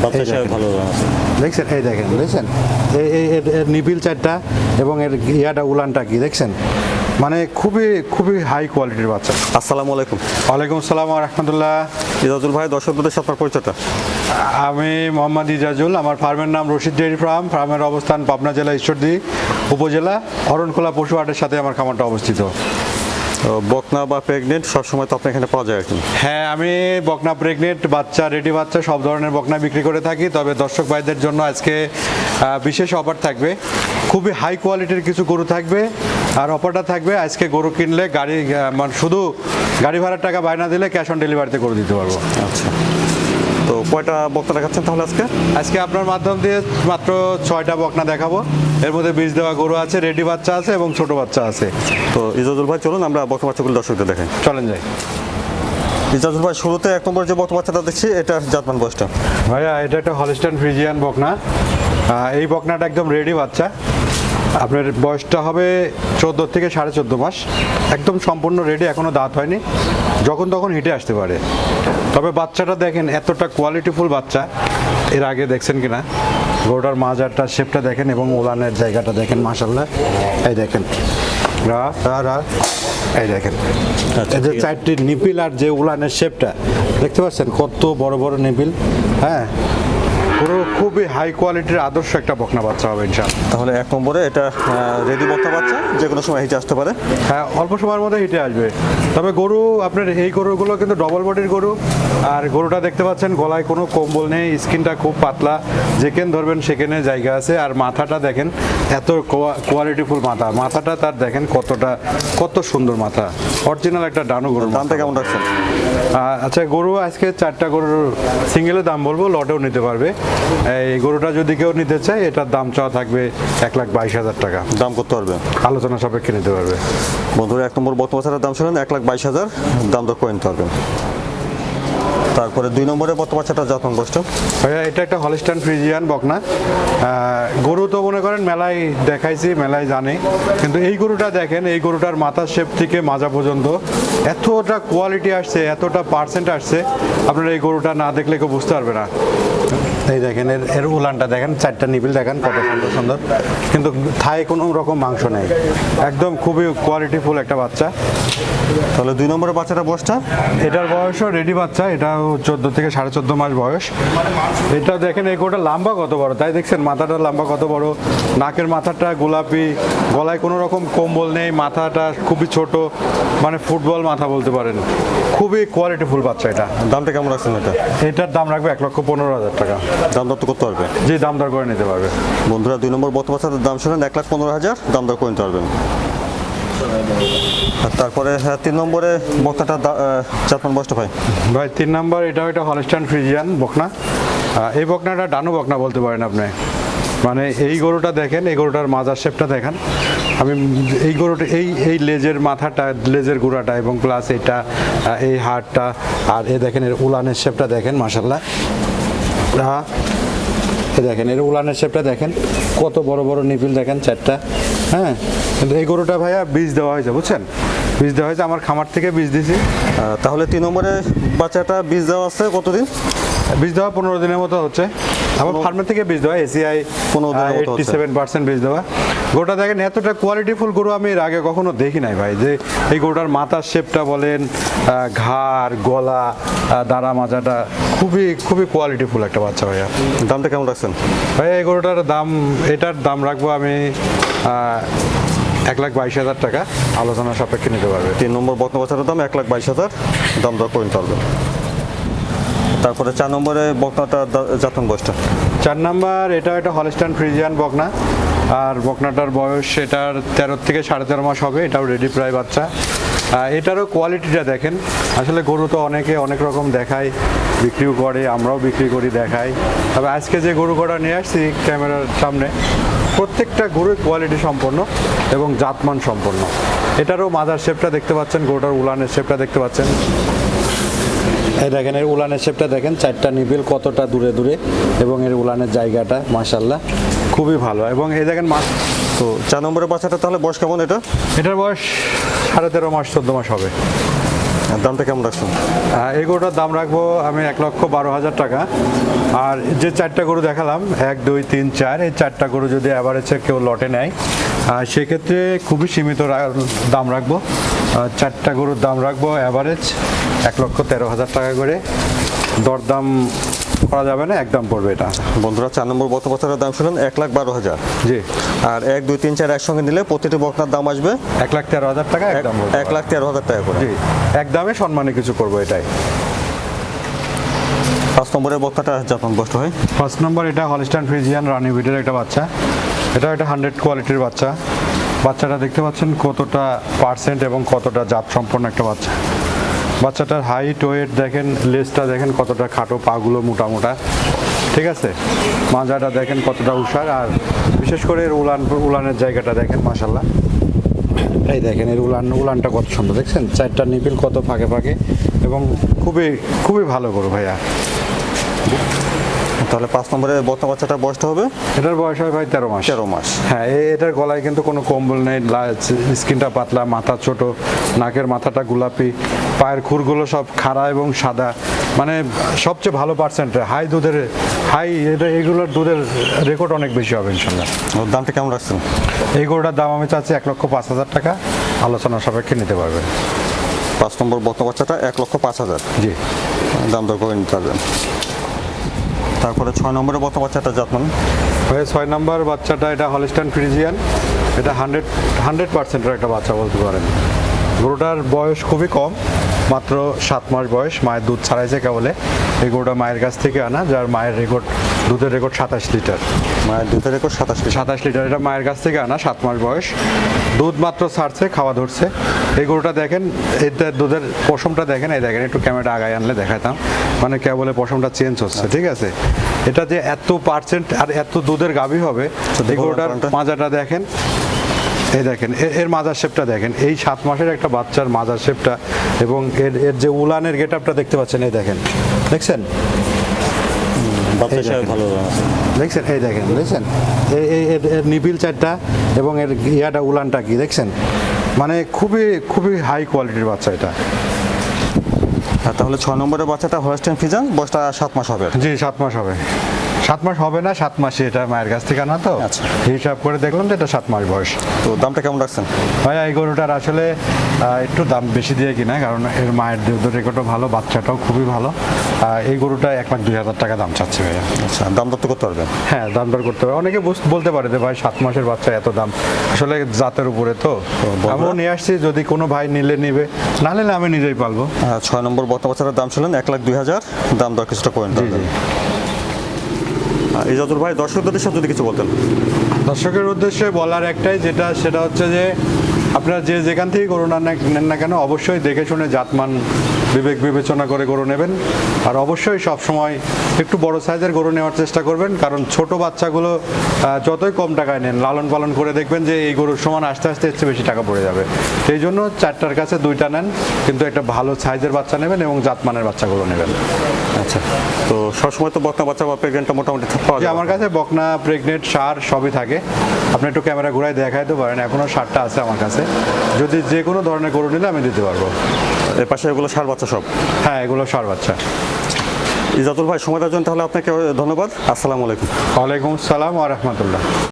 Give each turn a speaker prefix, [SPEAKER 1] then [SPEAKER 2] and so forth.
[SPEAKER 1] বাচ্চা হিসেবে ভালো আছে।
[SPEAKER 2] দেখছেন, এই দেখেন, দেখছেন এর নিপিল চারটা এবং এর ইয়াটা উলানটা কি দেখছেন, মানে খুবই খুবই হাই কোয়ালিটির বাচ্চা।
[SPEAKER 1] আসসালামু আলাইকুম।
[SPEAKER 2] ওয়ালাইকুম আসসালাম ওয়া রাহমাতুল্লাহ।
[SPEAKER 1] ইজাজুল ভাই, দর্শকদের সাথে আপনার পরিচয়টা।
[SPEAKER 2] আমি মোহাম্মদ ইজাজুল, আমার ফার্মের নাম রশিদ ডেয়ারি ফার্ম। ফার্মের অবস্থান পাবনা জেলা ঈশ্বরদী উপজেলা অরণখোলা পশু হাটের সাথে আমার খামারটা অবস্থিত।
[SPEAKER 1] তো বকনা বা প্রেগনেন্ট সবসময় তো আপনার এখানে পাওয়া যায় আর কি।
[SPEAKER 2] হ্যাঁ, আমি বকনা প্রেগনেন্ট বাচ্চা, রেডি বাচ্চা সব ধরনের বকনা বিক্রি করে থাকি। তবে দর্শক ভাইদের জন্য আজকে বিশেষ অফার থাকবে, খুবই হাই কোয়ালিটির কিছু গরু থাকবে। আর অফারটা থাকবে, আজকে গরু কিনলে গাড়ি মানে শুধু গাড়ি ভাড়ার টাকা বায়না দিলে ক্যাশ অন ডেলিভারিতে করে দিতে পারবো।
[SPEAKER 1] আচ্ছা, তো কয়টা বকনা দেখাচ্ছেন তাহলে আজকে?
[SPEAKER 2] আজকে আপনার মাধ্যম দিয়ে মাত্র 6টা বকনা দেখাবো। এর মধ্যে বীজ দেওয়া গরু আছে, রেডি বাচ্চা আছে এবং ছোট বাচ্চা আছে।
[SPEAKER 1] তো ইজাজুল ভাই চলুন আমরা বকনা বাচ্চাগুলো দর্শকদের দেখাই।
[SPEAKER 2] চলেন যাই।
[SPEAKER 1] ইজাজুল ভাই, শুরুতে 1 নম্বর যে বকনা বাচ্চাটা দেখছি এটা জাতমান বয়সটা?
[SPEAKER 2] ভাইয়া, এটা একটা হলস্টাইন ফ্রিজিয়ান বকনা। এই বকনাটা একদম রেডি বাচ্চা। আপনার বয়সটা হবে 14 থেকে 14.5 মাস। একদম সম্পূর্ণ রেডি, এখনো দাঁত হয়নি, যখন তখন হিটে আসতে পারে। তবে বাচ্চাটা দেখেন, এতটা কোয়ালিটিফুল বাচ্চা এর আগে দেখছেন কিনা। গরুটার মাজারটা শেপটা দেখেন এবং উলানের জায়গাটা দেখেন, মাশাআল্লাহ। এই দেখেন, এই দেখেন, এই যে 4টি নিপিল আর যে উলানের শেপটা দেখতে পাচ্ছেন, কত বড় বড় নিপিল। হ্যাঁ, পুরো খুবই হাই কোয়ালিটির আদর্শ একটা বকনা বাচ্চা হবে ইনশাআল্লাহ।
[SPEAKER 1] তাহলে 1 নম্বরে এটা রেডি বকনা বাচ্চা, যে কোনো সময় হিটে আসতে পারে।
[SPEAKER 2] হ্যাঁ, অল্প সময়ের মধ্যে হিটে আসবে। তবে গরু আপনার এই গরুগুলো কিন্তু ডবল বডির গরু। আর গরুটা দেখতে পাচ্ছেন, গলায় কোনো কম্বল নেই, স্কিনটা খুব পাতলা, যেখানে ধরবেন সেখানে জায়গা আছে। আর মাথাটা দেখেন, এত কোয়ালিটিফুল মাথা, মাথাটা তার দেখেন কত সুন্দর মাথা, অরিজিনাল একটা ডানু গরু।
[SPEAKER 1] দামটা কেমন রাখছেন?
[SPEAKER 2] আচ্ছা, গরু আজকে 4টা গরুর সিঙ্গেলের দাম বলবো, লটেও নিতে পারবে। এই গরুটা যদি কেউ নিতে চায়, এটার দাম চাওয়া থাকবে 1,22,000 টাকা।
[SPEAKER 1] দাম করতে পারবে,
[SPEAKER 2] আলোচনা সাপেক্ষে নিতে পারবে।
[SPEAKER 1] বন্ধুরা 1 নম্বর বকনা বাচ্চাটার দাম শুনেন 1,22,000, দাম দর করে নিতে পারবেন। তারপরে 2 নম্বরে বকনা বাচ্চাটা জাতমান বয়সটা?
[SPEAKER 2] ভাইয়া, এটা একটা হলস্টাইন ফ্রিজিয়ান বকনা। গরু তো মনে করেন মেলায় দেখাইছি, মেলায় জানে, কিন্তু এই গরুটা দেখেন, এই গরুটার মাথার শেপ থেকে মাজা পর্যন্ত এতটা কোয়ালিটি আসছে, এতটা পার্সেন্ট আসছে, আপনারা এই গরুটা না দেখলে কেউ বুঝতে পারবে না। এই দেখেন, এর উলানটা দেখেন, 4টা নিপিল দেখেন কত সুন্দর সুন্দর, কিন্তু থায়ে কোনো রকম মাংস নেই, একদম খুবই কোয়ালিটিফুল একটা বাচ্চা।
[SPEAKER 1] তাহলে 2 নম্বরের বাচ্চাটা বয়সটা?
[SPEAKER 2] এটার বয়সও রেডি বাচ্চা, এটাও 14 থেকে 14.5 মাস বয়স। এটা দেখেন, এই গরুটা লম্বা কত বড়, তাই দেখছেন মাথাটা লম্বা কত বড়, নাকের মাথাটা গোলাপি, গলায় কোনো রকম কম্বল নেই, মাথাটা খুবই ছোট, মানে ফুটবল মাথা বলতে পারেন। খুবই কোয়ালিটিফুল বাচ্চা এটা।
[SPEAKER 1] দামটা কেমন রাখছেন এটা?
[SPEAKER 2] এটার দাম রাখবে 1,15,000 টাকা।
[SPEAKER 1] দাম দর তো করতে পারবে?
[SPEAKER 2] জি, দাম দর করে নিতে পারবে।
[SPEAKER 1] বন্ধুরা 2 নম্বর বকনা বাচ্চাটার দাম শুনেন 1,15,000, দাম দর করে নিতে পারবেন। আর তারপরে 3 নম্বরে বকনাটা জাতমান বয়সটা ভাই?
[SPEAKER 2] ভাই, 3 নম্বর এটাও এটা হলস্টাইন ফ্রিজিয়ান বকনা। এই বকনাটা ডানু বকনা বলতে পারেন আপনি। মানে এই গরুটা দেখেন, এই গরুটার মাজার শেপটা দেখেন। আমি এই গরুটা এই লেজের মাথাটা, লেজের গুঁড়াটা এবং প্লাস এটা এই হাড়টা, আর এই দেখেন এর উলানের শেপটা দেখেন, মাশাআল্লাহ। এই দেখেন এর উলানের শেপটা দেখেন, কত বড় বড় নিপিল দেখেন 4টা। হ্যাঁ, কিন্তু এই গরুটা ভাইয়া বীজ দেওয়া হয়েছে, বুঝছেন, বীজ দেওয়া হয়েছে, আমার খামার থেকে বীজ দিয়েছি।
[SPEAKER 1] তাহলে 3 নম্বরে বাচ্চাটা বীজ দেওয়া আছে কতদিন?
[SPEAKER 2] বীজ দেওয়া 15 দিনের মতো হচ্ছে। আমার ফার্মের থেকে বীজ দেওয়া, এসিআই 87% বীজ দেওয়া। গরুটা দেখেন, এতটা কোয়ালিটিফুল গরু আমি এর আগে কখনো দেখি নাই ভাই। যে এই গরুটার মাথার শেপটা বলেন, ঘাড়, গলা, দাঁড়া মাজাটা খুবই খুবই কোয়ালিটিফুল একটা বাচ্চা ভাইয়া।
[SPEAKER 1] দামটা কেমন রাখছেন
[SPEAKER 2] ভাই? এই গরুটার দাম, এটার দাম রাখবো আমি 1,22,000 টাকা, আলোচনা সাপেক্ষে নিতে পারবে।
[SPEAKER 1] 3 নম্বর বকনা বাচ্চাটার দাম 1,22,000, দাম দর করে নিতে পারবেন। তারপরে 4 নম্বরে বকনাটা জাতমান বয়সটা?
[SPEAKER 2] 4 নাম্বার এটা একটা হলস্টাইন ফ্রিজিয়ান বকনা। আর বকনাটার বয়স এটার 13 থেকে 13.5 মাস হবে। এটাও রেডি প্রায় বাচ্চা। এটারও কোয়ালিটিটা দেখেন। আসলে গরু তো অনেকে অনেক রকম দেখায়, বিক্রিও করে, আমরাও বিক্রি করি, দেখাই। তবে আজকে যে গরু কটা নিয়ে আসছি ক্যামেরার সামনে, প্রত্যেকটা গরুর কোয়ালিটি সম্পন্ন এবং জাতমান সম্পন্ন। এটারও মাদার শেপটা দেখতে পাচ্ছেন, গরুটার উলানের শেপটা দেখতে পাচ্ছেন। এই দেখেন, এর উলানের শেপটা দেখেন, 4টা নিপিল কতটা দূরে দূরে, এবং এর উলানের জায়গাটা মাশাআল্লাহ খুবই ভালো। এবং এই দেখেন
[SPEAKER 1] তো 4 নম্বরের বাচ্চাটা তাহলে বয়স কেমন এটা?
[SPEAKER 2] এটার বয়স 13.5 মাস 14 মাস হবে।
[SPEAKER 1] আর দামটা কেমন রাখছেন?
[SPEAKER 2] এই গরুটার দাম রাখবো আমি 1,12,000 টাকা। আর যে 4টা গরু দেখালাম 1, 2, 3, 4, এই 4টা গরু যদি অ্যাভারেজে কেউ লটে নেয় সেক্ষেত্রে খুবই সীমিত দাম রাখবো। 4টা গরুর দাম রাখবো অ্যাভারেজ 1,13,000 টাকা করে। দরদাম করা যাবে না, একদম পড়বে এটা।
[SPEAKER 1] বন্ধুরা 4 নম্বর বক্তা বাচ্চাটার দাম শুনলেন 1,12,000।
[SPEAKER 2] জি,
[SPEAKER 1] আর 1, 2, 3, 4 একসঙ্গে নিলে প্রতিটি বকনার দাম আসবে
[SPEAKER 2] 1,13,000 টাকা একদম পড়বে।
[SPEAKER 1] 1,13,000 টাকা করে।
[SPEAKER 2] জি, একদমে সম্মানী কিছু করবো এটাই।
[SPEAKER 1] 5 নম্বরের বক্তাটা যখন বসতে হয়,
[SPEAKER 2] ফার্স্ট নম্বর এটা হলস্টাইন ফ্রিজিয়ান রানি ব্রিডের একটা বাচ্চা। এটা একটা 100 কোয়ালিটির বাচ্চা। বাচ্চাটা দেখতে পাচ্ছেন কতটা পার্সেন্ট এবং কতটা জাত সম্পন্ন একটা বাচ্চা। বাচ্চাটার হাইট ওয়েট দেখেন, লেজটা দেখেন কতটা খাটো, পাগুলো মোটা মোটা, ঠিক আছে। মাজাটা দেখেন কতটা উষার, আর বিশেষ করে এর উলানের জায়গাটা দেখেন মাশাল্লাহ। এই দেখেন এর উলানটা কত সুন্দর, দেখছেন 4টা নিপিল কত ফাঁকে ফাঁকে, এবং খুবই খুবই ভালো গরু ভাইয়া।
[SPEAKER 1] তাহলে 5 নম্বরের বক্তা বাচ্চাটা বসতে হবে,
[SPEAKER 2] এটার বয়স হয় ভাই 13 মাস।
[SPEAKER 1] 13 মাস।
[SPEAKER 2] হ্যাঁ, এটার গলায় কিন্তু কোনো কম্বল নেই, স্কিনটা পাতলা, মাথা ছোট, নাকের মাথাটা গোলাপি, পায়ের খুরগুলো সব খাড়া এবং সাদা, মানে সবচেয়ে ভালো পার্সেন্ট হাই দুধের, এগুলোর দুধের রেকর্ড অনেক বেশি হবে ইনশাল্লাহ।
[SPEAKER 1] ওর দামটা কেমন রাখছেন?
[SPEAKER 2] এই গরুটার দাম আমি চাচ্ছি 1,05,000 টাকা, আলোচনা সাপেক্ষে নিতে পারবেন।
[SPEAKER 1] 5 নম্বর বক্তা বাচ্চাটা 1,05,000।
[SPEAKER 2] জি,
[SPEAKER 1] দাম দর করে নিতে পারবেন। তারপরে 6 নম্বরের বক্তা বাচ্চাটা যত্ন।
[SPEAKER 2] ভাই 6 নম্বর বাচ্চাটা এটা হলস্টাইন ফ্রিজিয়ান। এটা 100% একটা বাচ্চা বলতে পারেন। গরুটার বয়স খুবই কম, মাত্র 7 মাস বয়স। মায়ের দুধ ছাড়াইছে কেবলে। এই গরুটা মায়ের কাছ থেকে আনা, যার মায়ের দুধের রেকর্ড 27 লিটার।
[SPEAKER 1] মায়ের দুধের রেকর্ড 27
[SPEAKER 2] লিটার। এটা মায়ের কাছ থেকে আনা, 7 মাস বয়স। দুধ মাত্র ছাড়ছে, খাওয়া ধরছে। এই গরুটা দেখেন, এটার দুধের পশমটা দেখেন, এই দেখেন, একটু ক্যামেরা আগায় আনলে দেখাতাম, মানে কেবলে পশমটা চেঞ্জ হচ্ছে, ঠিক আছে। এটা যে এত পার্সেন্ট আর এত দুধের গাভী হবে, এই গরুটার মাজাটা দেখেন, এই দেখেন এর মাজার শেপটা দেখেন, এই 7 মাসের একটা বাচ্চার মাজার শেপটা, এবং এর যে উলানের গেটআপটা দেখতে পাচ্ছেন, এই দেখেন, দেখছেন দেখছেন, এই দেখেন, দেখছেন এর নিপিল 4টা এবং এর ইয়াটা উলানটা কি দেখছেন, মানে খুবই খুবই হাই কোয়ালিটির বাচ্চা এটা।
[SPEAKER 1] তাহলে 6 নম্বরের বাচ্চাটা হলস্টাইন ফ্রিজিয়ান, বয়সটা 7 মাস হবে।
[SPEAKER 2] জি, 7 মাস হবে। 7 মাস হবে না, 7 মাসে এটা মায়ের কাছ থেকে আনা তো।
[SPEAKER 1] আচ্ছা।
[SPEAKER 2] হিসাব করে দেখলাম যে এটা 7 মাস বয়স।
[SPEAKER 1] তো দামটা কেমন রাখছেন?
[SPEAKER 2] ভাই এই গরুটার আসলে একটু দাম বেশি দিয়ে কিনা, কারণ এর মায়ের দুধের রেকর্ডও ভালো, বাচ্চাটাও খুবই ভালো। এই গরুটা 1,02,000 টাকা দাম চাচ্ছে ভাইয়া।
[SPEAKER 1] আচ্ছা, দাম দর তো করতে পারবেন?
[SPEAKER 2] হ্যাঁ, দাম দর করতে হবে। অনেকে বলতে পারে যে ভাই 7 মাসের বাচ্চা এত দাম, আসলে জাতের উপরে তো। আমিও নিয়ে আসছি, যদি কোনো ভাই নিবে, না নিলে আমি নিজেই পালবো।
[SPEAKER 1] 6 নম্বর বক্তা বাচ্চাটার দাম ছিলেন 1,02,000, দাম দর কিছুটা করে নিতে পারবেন। ইজাজুল ভাই, দর্শকদের উদ্দেশ্যে যদি কিছু বলতেন।
[SPEAKER 2] দর্শকের উদ্দেশ্যে বলার একটাই, সেটা হচ্ছে যে আপনারা যেখান থেকে গরু নেন না কেন, অবশ্যই দেখে শুনে জাতমান বিবেক বিবেচনা করে গরু নেবেন। আর অবশ্যই সব সময় একটু বড় সাইজের গরু নেওয়ার চেষ্টা করবেন, কারণ ছোট বাচ্চাগুলো যতই কম টাকায় নেন, লালন পালন করে দেখবেন যে এই গরুর সমান আস্তে আস্তে এর চেয়ে বেশি টাকা পড়ে যাবে। সেই জন্য 4টার কাছে 2টা নেন, কিন্তু একটা ভালো সাইজের বাচ্চা নেবেন এবং জাতমানের বাচ্চাগুলো নেবেন।
[SPEAKER 1] আচ্ছা, তো সবসময় তো বকনা বাচ্চা বা প্রেগনেন্টটা মোটামুটি পাওয়া যায়?
[SPEAKER 2] আমার কাছে বকনা, প্রেগনেন্ট, ষাঁড় সবই থাকে। আপনি একটু ক্যামেরা ঘুরাই দেখাইতে পারেন, এখনও ষাঁড়টা আছে আমার কাছে। যদি যে কোনো ধরনের গরু নিলে আমি দিতে পারবো।
[SPEAKER 1] এর পাশে এগুলো ষাঁড় বাচ্চা সব?
[SPEAKER 2] হ্যাঁ, এগুলো ষাঁড় বাচ্চা।
[SPEAKER 1] ইজাজুল ভাই, সময় দেওয়ার জন্য তাহলে আপনাকে ধন্যবাদ। আসসালামু আলাইকুম।
[SPEAKER 2] ওয়ালাইকুম আসসালাম ওয়া রাহমাতুল্লাহ।